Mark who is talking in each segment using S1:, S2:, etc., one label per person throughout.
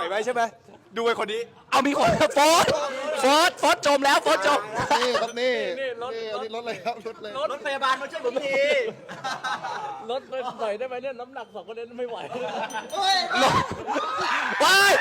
S1: ไหวใช่ไหมดูไอ้คนนี้
S2: เอามีคนโฟร์จมแล้วโฟร์จม
S3: นี่ครับนี่รถเลยครับรถเลย
S1: รถพยาบาลมาช่วยผมที
S4: รถไปหน่อยได้ไหมเนี่ยน้ำหนัก2คนนี้ไม่ไหว
S2: ว้าย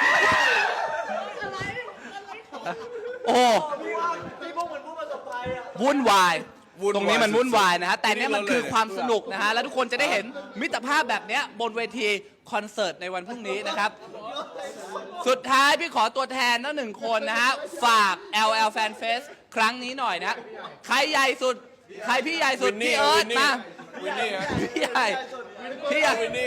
S2: โอ้
S1: พี่พวกเหมือนผู้ประสบภัยอ่ะ
S2: วุ่นวายตรงนี้มันวุ่นวายนะฮะแต่เนี่ยมันคือความสนุกนะฮะแล้วทุกคนจะได้เห็นมิตรภาพแบบเนี้ยบนเวทีคอนเสิร์ตในวันพรุ่งนี้นะครับ สุดท้ายพี่ขอตัวแทนทั้งหนึ่งคนนะฮะฝาก LL Fan Fest ครั้งนี้หน่อยนะใครใหญ่สุดใครพี่ใหญ่สุดพี่เอิร์ธมาพี่ใหญ่วินนี่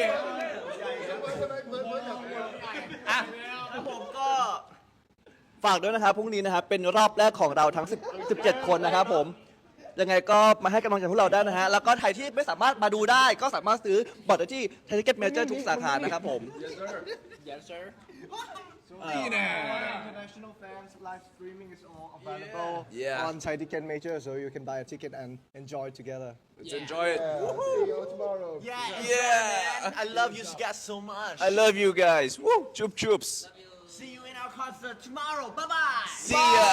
S2: อ่ะ
S1: ผมก็ฝากด้วยนะครับพรุ่งนี้นะครับเป็นรอบแรกของเราทั้ง17 คนนะครับผมยังไงก็มาให้กำลังใจพวกเราได้นะฮะแล้วก็ใครที่ไม่สามารถมาดูได้ก็สามารถซื้อบัตรได้ที่ Ticket Major ทุกสาขานะครับผม
S3: International fans live streaming is all available on Thai Ticket Major, so you can buy a ticket and enjoy together.
S5: Let's enjoy it.
S3: See you tomorrow.
S5: Yeah.
S1: I love you guys so much
S5: I love you guys. Woo. Chup chups.
S1: See you in our concert tomorrow bye bye
S5: See ya.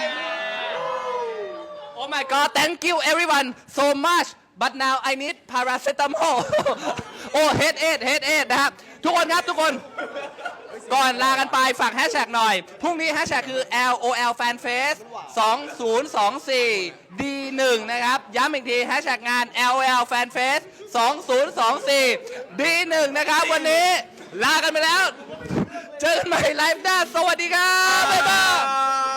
S2: Oh my god thank you everyone so much but now I need paracetamol โอ้ headache นะครับทุกคนครับทุกคนก่อนลากันไปฝากแฮชแท็กหน่อยพรุ่งนี้แฮชแท็กคือ LOL Fan Fest 2024 D1 นะครับย้ำอีกทีแฮชแท็กงาน LOL Fan Fest 2024 D1 นะครับวันนี้ลากันไปแล้วเจอกันใหม่ไลฟ์หน้าสวัสดีครับบ๊ายบาย